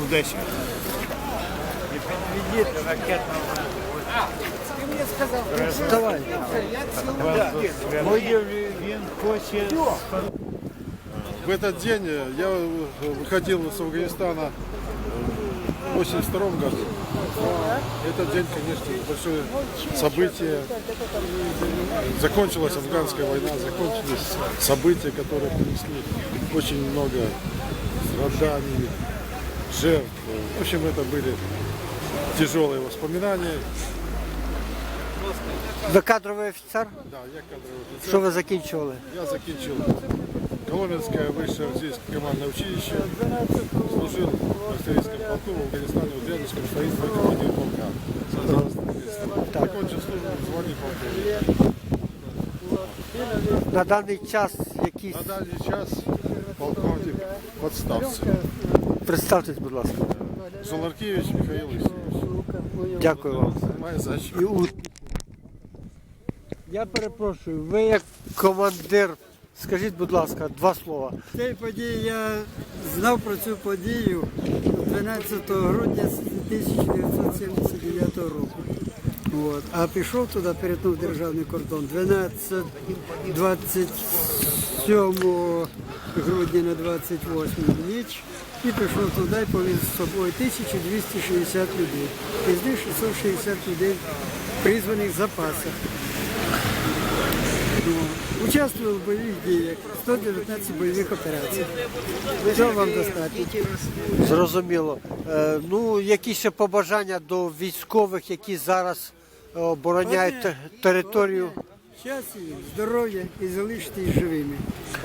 Одесі. Давай. Він хоче... В этот день я выходил с Афганистана в 1982 году. Этот день, конечно, большое событие. Закончилась афганская война, закончились события, которые принесли очень много страданий, жертв. В общем, это были тяжелые воспоминания. Ви кадровий офіцер? Да, я кадровый офицер. Що ви закінчували? Я закінчил Коломенское высшее артиллерийское командное училище, служил в артиллерийском полку в Афганистане, в Дрянском строительстве командир полка. Закончил службу в звании полковника. На даний час якісь... На данный час полковник подставцы. Представтесь, будь ласка. Золаркевич Михаил Васильевич. Дякую вам. Моя защита. Я перепрошую, ви як командир, скажіть, будь ласка, два слова. Цієї події я знав про цю подію 12 грудня 1979 року. От. А пішов туди, перетнув державний кордон 27 грудня на 28 ніч і пішов туди і повіз з собою 1260 людей. Із них 660 людей призваних в запасах. Участвував в бойових діях, 119 бойових операцій. Цього вам достатньо. Зрозуміло. Ну, які ще побажання до військових, які зараз обороняють територію? Щастя, здоров'я і залишитись живими.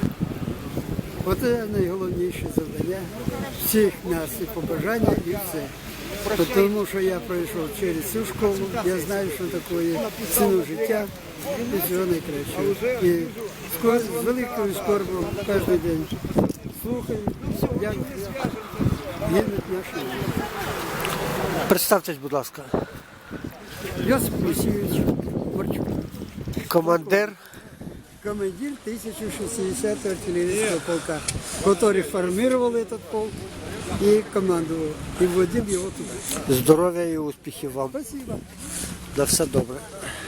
Оце найголовніше завдання всіх нас і побажання, і все. Тому що я пройшов через цю школу, я знаю, що таке ціну життя і всього найкращого. І з великою скорбом кожен день слухаю, як гинуть наші люди. Представтесь, будь ласка. Йосип Олексійович Борчук, Командир. командир 1060-го артиллерийского полка, который формировал этот полк и командовал, и вводил его туда. Здоров'я і успіхів вам. Спасибо. На все добре.